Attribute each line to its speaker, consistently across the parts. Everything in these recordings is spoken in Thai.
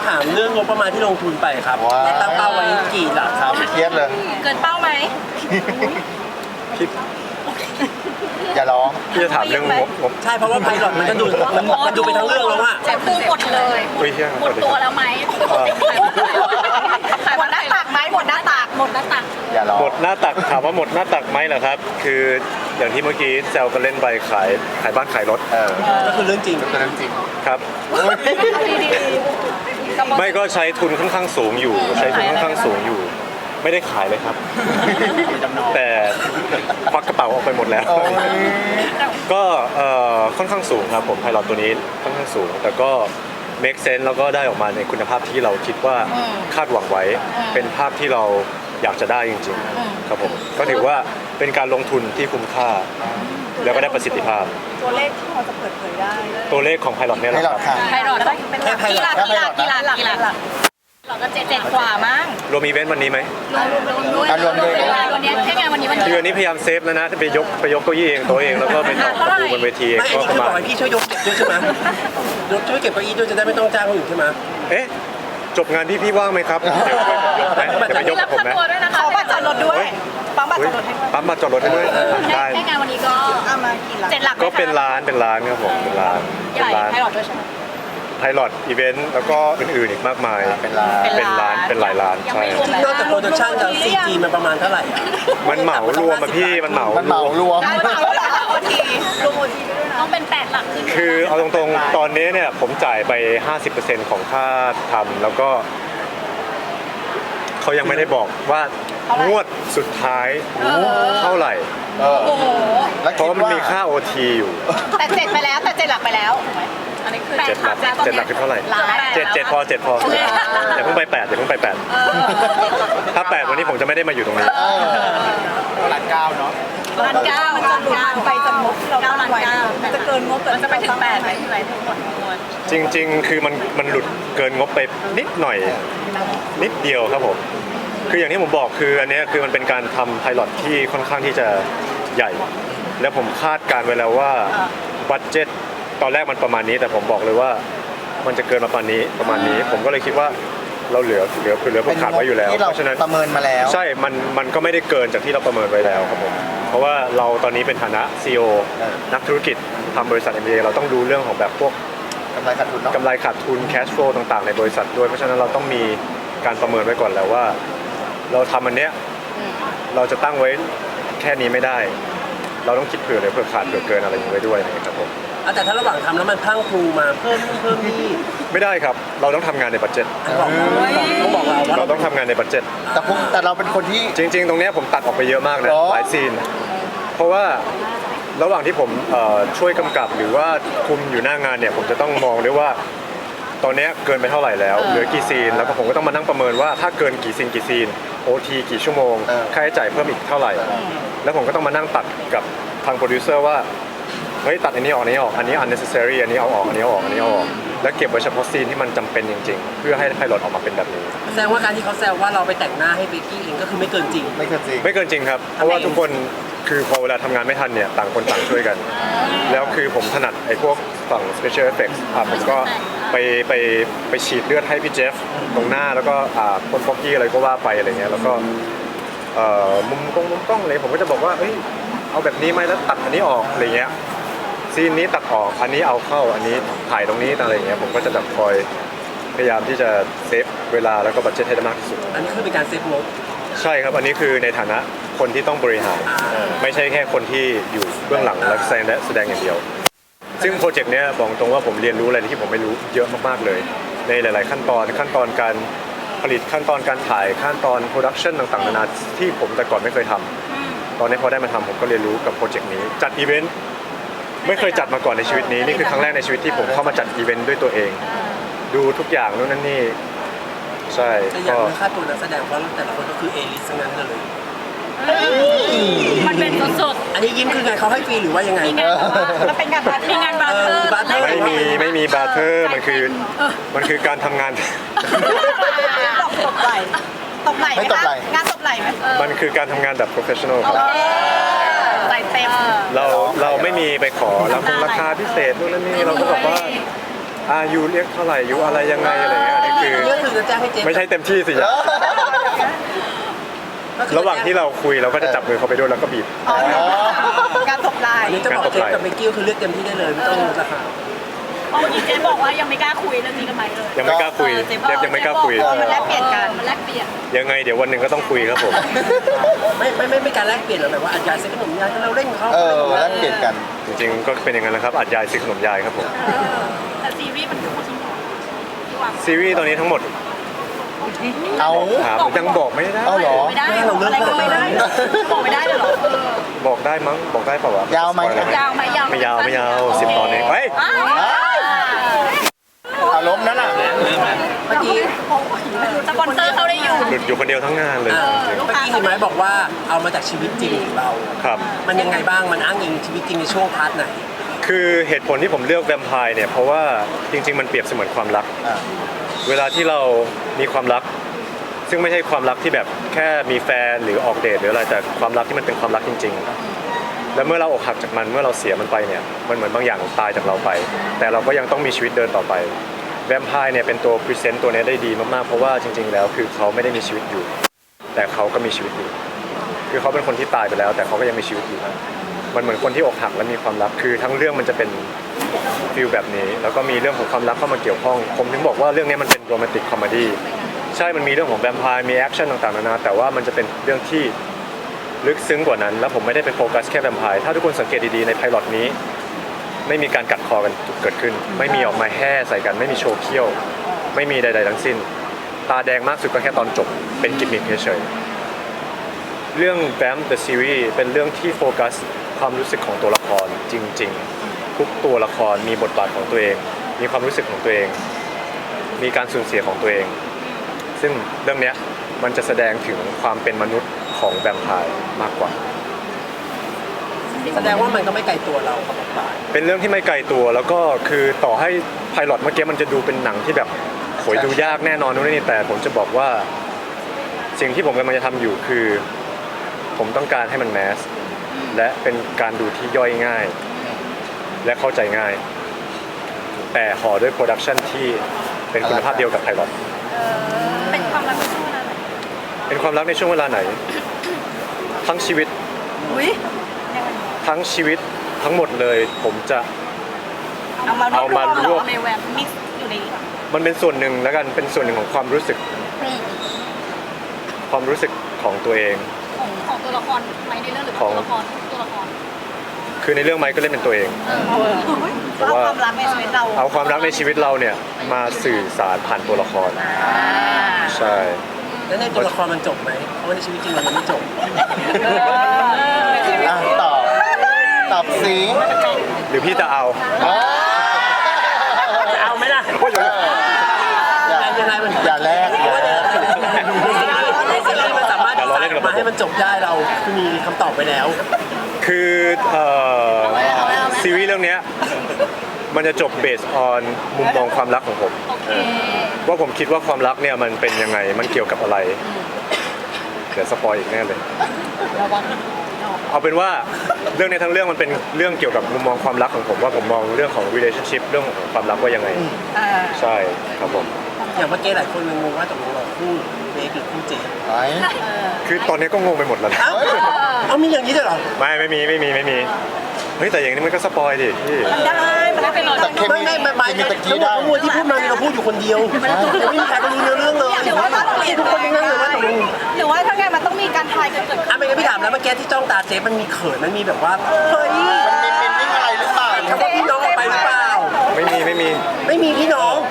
Speaker 1: ามเรื่องงบประมาณที่ลงทุนไปครับได้ตั้งเป้าไว้กี่หลักครับ
Speaker 2: เครียดเลย
Speaker 3: เกินเป้าไหม
Speaker 4: พี่
Speaker 2: อย่าร้อง
Speaker 4: พี่จะถามเรื่องงบ
Speaker 1: ใช่เพราะว่าไพลอตมันก็ดูมันดูไปทั้งเรื่องแล้วว่า
Speaker 3: เจ็บพุ่งหมดเลย
Speaker 4: อุ้ยเฮีย
Speaker 3: หมดตัวแล้วไหมขายหมดหน้าตักไหมหมดหน้าตักหมดหน้าตัก
Speaker 2: อย่าร้อง
Speaker 4: หมดหน้าตักถามว่าหมดหน้าตักไหมเหรอครับ คืออย่างที่เมื่อกี้แซวกันเล่นไปขายบ้านขายรถ
Speaker 1: ก็คือเรื่องจริง
Speaker 2: เป็นเรื่องจริง
Speaker 4: ครับ ไม่ก็ใช้ทุนค่อนข้างสูงอยู่ใช้ทุนค่อนข้างสูงอยู่ ไม่ได้ขายเลยครับ แต่ควักกระเป๋าออกไปหมดแล้ว
Speaker 2: โอ้ย
Speaker 4: ก็ค่อนข้างสูงครับผมไพลอตตัวนี้ค่อนข้างสูง แต่ก็ make sense แล้วก็ได้ออกมาในคุณภาพที่เราคิดว่าคาดหวังไว้เป็นภาพที่เราอยากจะได้จริงๆครับผมก็ถือว่าเป็นการลงทุนที่คุ้มค่าแล้วก็ได้ประสิทธิภาพ
Speaker 3: ตัวเลขที่พอจะเปิดเผยได้
Speaker 4: ตัวเลขของไพลอตเนี่ยแห
Speaker 2: ให้
Speaker 4: ละ
Speaker 2: หล
Speaker 4: ค
Speaker 2: อ
Speaker 4: รั
Speaker 2: ด
Speaker 4: บ
Speaker 2: ค่ะ
Speaker 3: ไพลอตต้องเป็นกี่หลักเราก็เจ็ดกว่ามั้ง
Speaker 4: รวมอีเวนต์วันนี้ไหม
Speaker 3: รวมด้วยวันนี้แค่งานวันนี้
Speaker 4: คืออันนี้พยายามเซฟแล้วนะไปยกเก้าอี้เองตัวเองแล้วก็ไปต่อประตูบนเวทีเอง
Speaker 1: ไม่อัน
Speaker 4: ก็
Speaker 1: นี้
Speaker 4: ป
Speaker 1: คือ
Speaker 4: ระ
Speaker 1: บ
Speaker 4: มา
Speaker 1: อก
Speaker 4: ณ
Speaker 1: ให้พี่ช่วยยกเก็บด้วยใช่ไหมช่วยเก็บเก้าอี้ด้วยจะได้ไม่ต้องจ้างคนอื่นใช่ไหม
Speaker 4: เอ๊ะจบงานที่พี่ว่างไหมครับเดี๋ยวช่วยผมยกไหมจะไปยกกับผมไหม
Speaker 3: ขอบัตรจอดรถด้วยปั๊มบัตรจอดรถให้
Speaker 4: ปั๊มมาจอดรถให้ด้วยได้
Speaker 3: แค่งานวันนี้ก็เอามากี่หลัก7 หลัก
Speaker 4: ก็เป็นร้านครับผมเป็นร้าน
Speaker 3: ใหญ่ไพลอตด้วยใช่ไหม
Speaker 4: ไพลอตอีเวนต์แล้วก็อื่นๆอีกมากมาย
Speaker 2: เป็นร้าน
Speaker 4: เป็นร้านเป็นหลายร้านใช่
Speaker 1: นอกจากโปรดักชั่นแล้วซีจีมันประมาณเท่าไหร่อะ
Speaker 4: มันเหมารวมอะพี่มันเหมา
Speaker 2: มันเหมารวม
Speaker 3: ได้เปล่าแล้วโอทีรวมโอทีด้วยนะต้องเป็น8 หลักขึ้น
Speaker 4: คือเอาตรงๆตอนนี้เนี่ยผมจ่ายไป 50% ของค่าทำแล้วก็เขายังไม่ได้บอกว่างวดสุดท้ายเท่าไหร่
Speaker 2: เออ
Speaker 3: โอ้โห
Speaker 2: แล้ว
Speaker 4: เพ
Speaker 2: คิด
Speaker 4: ราะมัน
Speaker 2: ว่า
Speaker 4: มีค่า OT อยู่
Speaker 3: แต่7ไปแล้วแต่7 หลักไปแล้วอันนี้คือ
Speaker 4: 7 หลักคือเท่าไหร่
Speaker 3: ล้าน
Speaker 4: 7พออย่าเพิ่งไป8อย่าเพิ่งไป8ถ้า8วันนี้ผมจะไม่ได้มาอยู่ตรงนี้
Speaker 2: หลักเก้าเนาะ
Speaker 3: ล้าน 9มันจะหลุดไปจากงบที่เราตั้งไว้มันจะเกินงบมันจะไปถึง8ไหมที่ไหนทั้งหมดทั้งมวล
Speaker 4: จริงๆ คือมันหลุดเกินงบไปนิดหน่อยนิดเดียวครับผมคืออย่างที่ผมบอกคืออันเนี้ยคือมันเป็นการทำไพลอตที่ค่อนข้างที่จะใหญ่ แล้วผมคาดการไว้แล้วว่าบัดเจ็ตตอนแรกมันประมาณนี้แต่ผมบอกเลยว่ามันจะเกินมาประมาณนี้ผมก็เลยคิดว่าเราเหลือพวกขาดไว้อยู่แล้ว
Speaker 2: ที่เรา
Speaker 4: เพราะฉะนั้น
Speaker 2: ประเมินมาแล้ว
Speaker 4: ใช่มันก็ไม่ได้เกินจากที่เราประเมินไว้แล้วครับผมเพราะว่าเราตอนนี้เป็นฐานะ CEO นักธุรกิจทำบริษัท MBA เราต้องดูเรื่องของแบบพวก
Speaker 2: กำไรขาดทุนเนาะ
Speaker 4: กำไรขาดทุน cash flow ต่างๆในบริษัทด้วยเพราะฉะนั้นเราต้องมีการประเมินไว้ก่อนแล้วว่า เราทำอันเนี้ยเราจะตั้งไว้แค่นี้ไม่ได้ เราต้องคิดเผื่อเลยเผื่อขาดเผื่อเกินอะไรอย่างนี้ไว้ด้วยนะครับผม
Speaker 1: แต่ถ้าระหว่างทำแล้วมันพลั่งพลูมาเพิ่มนี่
Speaker 4: ไม่ได้ครับเราต้องทำงานในบัดเจ็ต
Speaker 1: ต้องบอกเราว่า
Speaker 4: เราต้องทำงานในบัดเจ็ต
Speaker 2: แต่เราเป็นคนที่
Speaker 4: จริงๆ ตรงเนี้ยผมตัดออกไปเยอะมากนะ
Speaker 2: หรอ
Speaker 4: หลายซีนเพราะว่าระหว่างที่ผมช่วยกำกับหรือว่าคุมอยู่หน้างานเนี่ยผมจะต้องมองด้วยว่าตอนเนี้ยเกินไปเท่าไหร่แล้วเหลือกี่ซีนแล้วก็ผมก็ต้องมานั่งประเมินว่าถ้าเกินกี่ซีนOT กี่ชั่วโมงค่าใช้จ่ายเพิ่มอีกเท่าไหร่แล้วผมก็ต้องมานั่งตัดกับทางโปรดิวเซอร์ว่าเฮ้ยตัดอันนี้ออกอันนี้ออกอันนี้ unnecessary อันนี้เอาออกอันนี้เอาออกอันนี้เอาออกแล้วเก็บไว้เฉพาะซีนที่มันจำเป็นจริงๆ เพื่อให้ไพลอตออกมาเป็นแบบนี้
Speaker 1: แสดงว่าการที่เขาแซวว่าเราไปแต่งหน้าให้เบกกี้เองก็คือไม่เกินจริง
Speaker 2: ไม่เคยจริง
Speaker 4: ไม่เกินจริงครับ เพราะว่าทุกคนคือพอเวลาทำงานไม่ทันเนี่ยต่างคนต่างช่วยกัน แล้วคือผมถนัดไอ้พวกฝั่ง special effects ผมก็ไปฉีดเลือดให้พี่เจฟตรงหน้าแล้วก็พ่นฟอกกี้อะไรก็ว่าไปอะไรเงี้ยแล้วก็มุมกล้องอะไรผมก็จะบอกว่าเอ้ยเอาแบบนี้ไหมแล้วตัดอันนี้ออกอะไรเงี้ยซีนนี้ตัดออกอันนี้เอาเข้าอันนี้ถ่ายตรงนี้อะไรเงี้ยผมก็จะแบบคอยพยายามที่จะเซฟเวลาแล้วก็บัดเจ็ตให้ได้มากที่สุด
Speaker 1: อันนี้คือเป็นการเซฟงบ
Speaker 4: ใช่ครับ อันนี้คือในฐานะคนที่ต้องบริหาร ไม่ใช่แค่คนที่อยู่เบื้องหลังและแสดงอย่างเดียว ซึ่งโปรเจกต์เนี้ยบอกตรงว่าผมเรียนรู้อะไรที่ผมไม่รู้เยอะมากๆเลย ในหลายๆขั้นตอนการผลิตขั้นตอนการถ่ายขั้นตอนโปรดักชันต่างๆนานาที่ผมแต่ก่อนไม่เคยทำตอนนี้พอได้มาทำผมก็เรียนรู้กับโปรเจกต์นี้จัดอีเวนต์ไม่เคยจัดมาก่อนในชีวิตนี้นี่คือครั้งแรกในชีวิตที่ผมเข้ามาจัดอีเวนต์ด้วยตัวเอง ดูทุกอย่างนู่นนั่นนี่ใช่
Speaker 1: แต่อย่า
Speaker 4: ก็
Speaker 1: งค่าตัวนักแสดงเพราะแต่ละคนก็คือเอลิสทั้งนั้นเลย
Speaker 3: มันเป็นสด
Speaker 1: อันนี้ยิ้มคือไงเขาให้ฟรีหรือว่ายังไง
Speaker 3: มันเป็นงานบาร์เทอร์มีงานบาร์เทอร์
Speaker 4: ไม่มีบาร์เทอร์มันคือการทำงาน
Speaker 3: ตบไหลตบไหลไหม
Speaker 2: ไม่ตบไหล่
Speaker 3: งานตบไหลไหม
Speaker 4: มันคือการทำงานแบบ professional ครับ
Speaker 3: ไหลเต็ม
Speaker 4: เราไม่มีไปขอราคาพิเศษนู่นนั่นนี่เราก็บอกว่าอายุเรียกเท่าไหร่อายุอะไรยังไงอะไรเงี้ยอันนี้คือ
Speaker 1: ก็คือจะแจ้งให้เจฟ
Speaker 4: ไม่ใช่เต็มที่สิระหว่างที่เราคุยเราก็จะจับมือเขาไปด้วยแล้วก็บีบ
Speaker 3: การตบลาย
Speaker 1: อันนี้จะบอกเจฟกับเบกกี้คือเลือกเต็มที่ได้เลยไม่ต้องลดราคา
Speaker 3: เพราะเมื่อกี้เจ๊บอกว่ายังไม่กล้าคุยเรื่องนี้กับไมค์เลย
Speaker 4: ยังไม่กล้าคุยเจฟยังไม่กล้าคุย
Speaker 3: มันแลกเปลี่ยนกันมันแลกเปลี่ยน
Speaker 4: ยังไงเดี๋ยววันหนึ่งก็ต้องคุยครับผม
Speaker 1: ไม่การแลกเปลี่ยนหรอกแบบว่าอัดยายซื้อขนมยายเราเล่นเขา
Speaker 2: แลกเปลี่ยนกัน
Speaker 4: จริงๆก็เป็นอย่างนั้นแหละครับอัดยายซื้อขนมยายครับผม
Speaker 3: แต่ซีรีส์มันคือคนที่วาง
Speaker 4: ซีรีส์ตอนนี้ทั้งหมด
Speaker 2: เอา
Speaker 4: ถามยังบอกไม่ได้
Speaker 2: เอาเหรอ
Speaker 3: ไม่ได้อะไรก็ไม่ได้บอกไม่ได้เลยเหรอ
Speaker 4: บอกได้มั้งบอกได้เปล่าวะ
Speaker 2: ยาวไหม
Speaker 3: ยาวไหมยาว
Speaker 4: ไม่ยาว10 ตอนเองเฮ้ย
Speaker 2: อารมณ์นั้นอ่ะ
Speaker 1: เมื่อกี้
Speaker 3: สปอนเซอร์เขาได้อยู่
Speaker 4: หลุดอยู่คนเดียวทั้งงานเลยจริง
Speaker 1: เมื่อกี้เห็นไหมบอกว่าเอามาจากชีวิตจริงของเรา
Speaker 4: ๆครับ
Speaker 1: มันยังไงบ้างมันอ้างอิงชีวิตจริงในช่วงพาร์ทไหน
Speaker 4: คือเหตุผลที่ผมเลือกแวมไพร์เนี่ยเพราะว่าจริง ๆ มันเปรียบเสมือนความรัก เวลาที่เรามีความรัก ซึ่งไม่ใช่ความรักที่แบบแค่มีแฟนหรือออกเดทหรืออะไรแต่ความรักที่มันเป็นความรักจริง ๆ แล้วเมื่อเราอกหักจากมันเมื่อเราเสียมันไปเนี่ยมันเหมือนบางอย่างตายจากเราไป แต่เราก็ยังต้องมีชีวิตเดินต่อไปแวมไพร์เนี่ยเป็นตัวพรีเซนต์ตัวนี้ได้ดีมากๆเพราะว่าจริง ๆ แล้วคือเขาไม่ได้มีชีวิตอยู่ แต่เขาก็มีชีวิตอยู่คือเขาเป็นคนที่ตายไปแล้ว แต่เขาก็ยังมีชีวิตอยู่มันเหมือนคนที่อกหักและมีความรักคือทั้งเรื่องมันจะเป็นฟีลแบบนี้แล้วก็มีเรื่องของความรักเข้ามาเกี่ยวข้องผมถึงบอกว่าเรื่องนี้มันเป็นโรแมนติกคอมเมดี้ใช่มันมีเรื่องของแวมไพร์มีแอคชั่นต่างๆนานาแต่ว่ามันจะเป็นเรื่องที่ลึกซึ้งกว่านั้นแล้วผมไม่ได้ไปโฟกัสแค่แวมไพร์ถ้าทุกคนสังเกตดีๆในไพลอตนี้ไม่มีการกัดคอกันเกิดขึ้นไม่มีออกมาแห่ใส่กันไม่มีโชว์เขี้ยวไม่มีใดๆทั้งสิ้นตาแดงมากสุดก็แค่ตอนจบเป็นกิมมิคเฉยๆเรื่อง Vamp the Series เป็นเรื่องที่โฟกัสความรู้สึกของตัวละครจริงๆทุกตัวละครมีบทบาทของตัวเองมีความรู้สึกของตัวเองมีการสูญเสียของตัวเองซึ่งเรื่องนี้มันจะแสดงถึงความเป็นมนุษย์ของแวมไพร์มากกว่า
Speaker 1: แสดงว่ามันก็ไม่ไกลตัวเรากับบทบาท
Speaker 4: เป็นเรื่องที่ไม่ไกลตัวแล้วก็คือต่อให้ไพลอตเมื่อกี้มันจะดูเป็นหนังที่แบบโหยดูยากแน่นอนนู่นนี่แต่ผมจะบอกว่าสิ่งที่ผมกำลังจะทำอยู่คือผมต้องการให้มันแมสและเป็นการดูที่ย่อยง่ายและเข้าใจง่ายแต่ห่อด้วยโปรดักชันที่เป็นคุณภาพเดียวกับไพลอต
Speaker 3: เป็นความรักในช่วงเวลาไหน
Speaker 4: เป็นความรักในช่วงเวลาไหนทั้งชีวิตทั้งชีวิตทั้งหมดเลยผมจะเอามารวบ
Speaker 3: ในแวมมิกซ์อยู่ใน
Speaker 4: มันเป็นส่วนหนึ่งแล้วกันเป็นส่วนหนึ่งของความรู้สึกของตัวเอง
Speaker 3: ของตัวละครไหมในเรื่องหรือตัวละครตัวละคร
Speaker 4: คือในเรื่องไมค์ก็เล่นเป็นตัวเอง
Speaker 3: เพราะว่าความรักในชีวิตเรา
Speaker 4: เอาความรักในชีวิตเราเนี่ยมาสื่อสารผ่านตัวละครใช่
Speaker 1: แล้วในตัวละครมันจบไหมเพราะว่าในชีวิตจริงมันไม่จบ
Speaker 2: ตอบสิ
Speaker 4: หรือพี่จะเอา
Speaker 1: จะเอาไหมล่ะยังไงมัน
Speaker 2: อย่าแลก
Speaker 1: มันสามารถมาให้มันจบได้เราคือมีคำตอบไปแล้ว
Speaker 4: คือซีรีส์เรื่องนี้มันจะจบเบสออนมุมมองความรักของผมว่าผมคิดว่าความรักเนี่ยมันเป็นยังไงมันเกี่ยวกับอะไรเดี๋ยวสปอยอีกแน่เลยเอาเป็นว่าเรื่องในทั้งเรื่องมันเป็นเรื่องเกี่ยวกับมุมมองความรักของผมว่าผมมองเรื่องของ relationship เรื่องของความรักว่ายังไงใช่ครับผม
Speaker 1: อย่างเมื่อกี้หลายคนงงว่าตกลงเราคู่เบคหรือคู่เจฟ
Speaker 4: คือตอนนี้ก็งงไปหมดแล้ว
Speaker 1: เอามีอย่างนี้ด้วยเหรอ
Speaker 4: ไม่มีเฮ้ยแต่อย่างนี้มันก็สปอยดิพี่
Speaker 3: มันได้เป็นเรา
Speaker 1: ไม่ตะกี้ได้ทั้งหมดที่พูดมาเราพูดอยู่คนเดียวไม่มีใครรู้เรื่องเลย
Speaker 3: หรือว่าต้องเรียนทุกคนยังนั่งเลยว่าหรือว่าถ้าไงมันต้องมีการทายกันเกิดขึ้น
Speaker 1: ไม่งั้นพี่ถามแล้วเมื่อกี้ที่จ้องตาเจฟมันมีเขินมันมีแบบว่าเฮ้ย
Speaker 2: มันมีเป็นนิ่งอะไรหรือเปล่า
Speaker 1: คำว่าพี่น้องไปหรือเปล่า
Speaker 4: ไม่มี
Speaker 1: พี่น้อง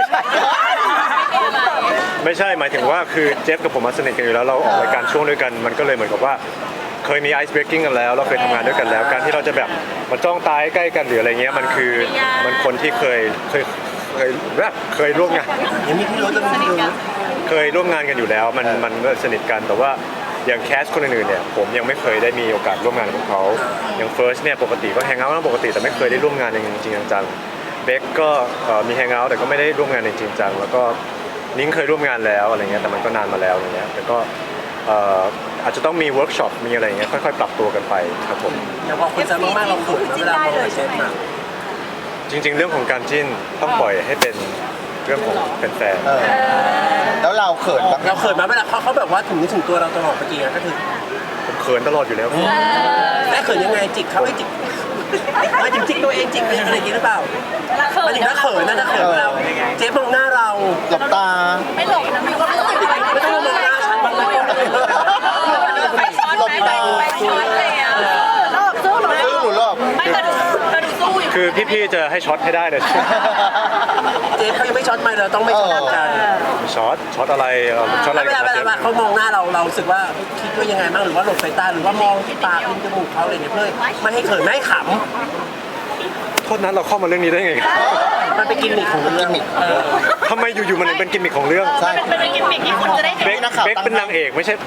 Speaker 4: ไม่ใช่หมายถึงว่าคือเจฟกับผมมาสนิทกันอยู่แล้วเราออกรายการช่วงด้วยกันมันก็เลยเหมือนกับว่าเคยมีไอซ์เบรกกิ้งกันแล้วเราเคยทำงานด้วยกันแล้วการที่เราจะแบบมาจ้องตาใกล้กันหรืออะไรเงี้ยมันคือมันคนที่เคยร่วมงาน
Speaker 1: ยังมีพี่รู้จะมี
Speaker 4: เคยร่วมงานกันอยู่แล้วมันสนิทกันแต่ว่าอย่างแคสคนอื่นๆเนี่ยผมยังไม่เคยได้มีโอกาสร่วมงานกับเขาอย่างเฟิร์สเนี่ยปกติก็แฮงเอาท์ปกติแต่ไม่เคยได้ร่วมงานจริงๆจังๆเบคก็มีแฮงเอาท์แต่ก็ไม่ได้ร่วมงานจริงๆจังแล้วก็นิ้งเคยร่วมงานแล้วอะไรเงี้ยแต่มันก็นานมาแล้วอย่างเงี้ยแต่ก็อาจจะต้องมีเวิร์กช็อปมีอะไรอย่างเงี้ยค่อยๆปรับตัวกันไปครับผม
Speaker 1: อย่างพอคนจะมากๆเราเขินเวลามองเชฟมา
Speaker 4: จริง ๆ เรื่องของการจิ้นต้องปล่อยให้เป็นเรื่องของแฟน
Speaker 2: เออแล้วเราเขินปะ
Speaker 1: เราเขินมาเวลาเขาแบบว่าถึงนึกถึงตัวเราตลอดเมื่อกี้ก็คือ
Speaker 4: ๆผมเขินตลอดอยู่แล้ว
Speaker 1: แม่เขินยังไงจิกเขาให้จิกไม่ถึงจิกตัวเองจิกอะไรอย่างงี้หรือเปล่ามันถึงถ้าเขินนะถ้าเขินเราเจ๊มองหน้าเรา
Speaker 2: หลบตา
Speaker 3: ไม่หลบนะมีความรู้สึกอะไร
Speaker 1: ไม่ต้องมองหน้าฉันบ้างไหม
Speaker 3: ไปช้อนไหมไปช้อนอะไรอ่ะรอบสู้หรือ
Speaker 2: ซื้อหรือรอบ
Speaker 3: ไม่กระดูสู้อยู่
Speaker 4: คือพี่ๆจะให้ช็อตให้ได้เลย
Speaker 1: เจ๊เขายังไม่ช็อตไม่เราต้องไม่ช็อตกัน
Speaker 4: ช็อตอะไรช็อตอะไร
Speaker 1: เวลา
Speaker 4: กันครับ
Speaker 1: เขามองหน้าเรารู้สึกว่าคิดว่ายังไงบ้างหรือว่าหลบสายตาหรือว่ามองที่ปากที่จมูกเขาอะไรเนี่ยเพื่อไม่ให้เขินไม่ให้ข
Speaker 4: โทษนั้นเราเข้ามาเรื่องนี้ได้ไง
Speaker 1: ำมันเป็นกิมมิคของเรื่อง
Speaker 4: ทำไมอยู่ๆมันถึงเป็นกิมมิคของเรื่อง
Speaker 2: ใช่
Speaker 3: เป็นกิมมิคที่คุณจะได้เห็น
Speaker 4: เบคเบคเป็นนางเอกไม่ใช่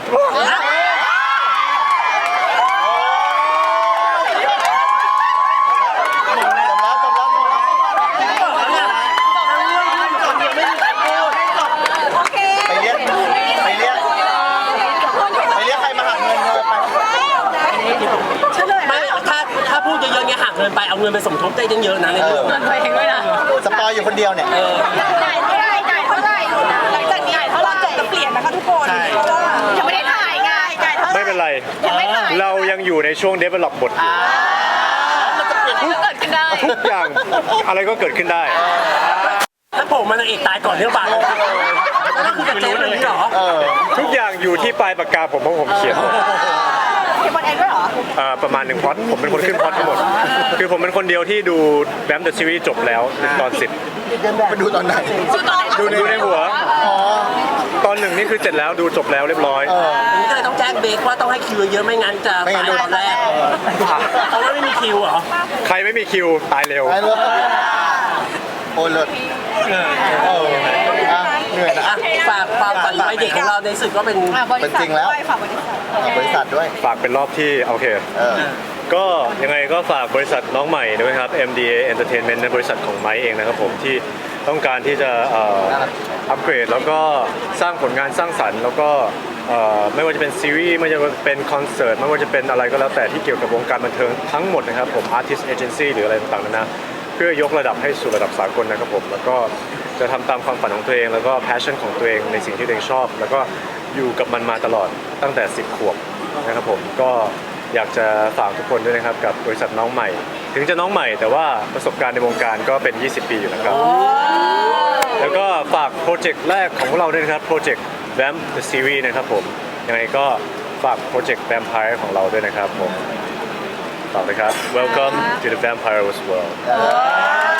Speaker 3: โอเค
Speaker 2: ไปเรียกใครมาหักเงินเธอไป
Speaker 3: เฉลย
Speaker 1: ไม่ถ้าพูดเยอะๆเนี่ยหักเงินไปเอาเงินไปสมทบได้เยอะๆนะในเรื่อง
Speaker 3: เงินตัวเองด้วยนะ
Speaker 2: สปอยอยู่คนเดียวเนี่ย
Speaker 3: จ่ายเท่าไหร่จ่ายเท่าไหร่หลังจากนี้เท่าไหร่จะเปลี่ยนนะคะทุกคนยังไม่ได้ถ่ายไงจ่ายเท่าไหร่
Speaker 4: ไม่เป็นไร
Speaker 3: ยังไม่ถ่าย
Speaker 4: เรายังอยู่ในช่วง develop บทอยู่
Speaker 3: เกิดขึ้นได้
Speaker 4: ทุกอย่างอะไรก็เกิดขึ้นได้
Speaker 1: ถ้าผมมันนางเอกตายก่อนเรื่องบาทนั่นคือกับเจ๊แบบนี้เหรอ
Speaker 4: ทุกอย่างอยู่ที่ปลายปากกาผมเพราะผมเขียนหมด
Speaker 3: เก็บบอลเองด้วยเหรอ
Speaker 4: ประมาณหนึ่งพล็อตผมเป็นคนขึ้นพล็อตทั้งหมด คือผมเป็นคนเดียวที่ดูแบมเดอะซีรีส์จบแล้วตอน
Speaker 2: ไปดูตอนไหน
Speaker 4: ดูในหัว
Speaker 2: อ๋อ
Speaker 4: 10 ตอน 1นี่คือเสร็จแล้วดูจบแล้วเรียบร้อย
Speaker 1: อันนี้ก็เลยต้องแจ้งเบรกว่าต้องให้คิวเยอะไม่งั้นจะ
Speaker 2: ไม่งั้นโดน
Speaker 1: ตอนแรกเพราะว่าไม่มีคิวเหรอ
Speaker 4: ใครไม่มีคิวตายเร็ว
Speaker 2: ไปเลยโอ้เลิศอ่ะเหนื่อยนะ
Speaker 1: อ่ะฝากความฝันวัยเด็กของเราในสึกก็เป็น
Speaker 2: เป็นจริงแล้ว
Speaker 3: ฝากบริษัท
Speaker 2: บริษัทด้วย
Speaker 4: ฝากเป็นรอบที่โอเค ก็ยังไงก็ฝากบริษัทน้องใหม่ด้วยครับ MDA Entertainment ในบริษัทของไม้เองนะครับผมที่ต้องการที่จะอัปเกรดแล้วก็สร้างผลงานสร้างสรรค์แล้วก็ไม่ว่าจะเป็นซีรีส์ไม่ว่าจะเป็นคอนเสิร์ตไม่ว่าจะเป็นอะไรก็แล้วแต่ที่เกี่ยวกับวงการบันเทิงทั้งหมดนะครับผม Artist Agency หรืออะไรต่างๆนะเพื่อยกระดับให้สู่ระดับสากลนะครับผมแล้วก็จะทำตามความฝันของตัวเองแล้วก็ passion ของตัวเองในสิ่งที่ตัวเองชอบ แล้วก็อยู่กับมันมาตลอดตั้งแต่10 ขวบนะครับผมก็อยากจะฝากทุกคนด้วยนะครับกับบริษัทน้องใหม่ ถึงจะน้องใหม่แต่ว่าประสบการณ์ในวงการก็เป็น 20 ปีอยู่แล้วครับแล้วก็ฝากโปรเจกต์แรกของพวกเราด้วยนะครับโปรเจกต์ Vamp the Series นะครับผมยังไงก็ฝากโปรเจกต์ Vampire ของเราด้วยนะครับผมฝากเลยครับ Welcome to the Vampire's World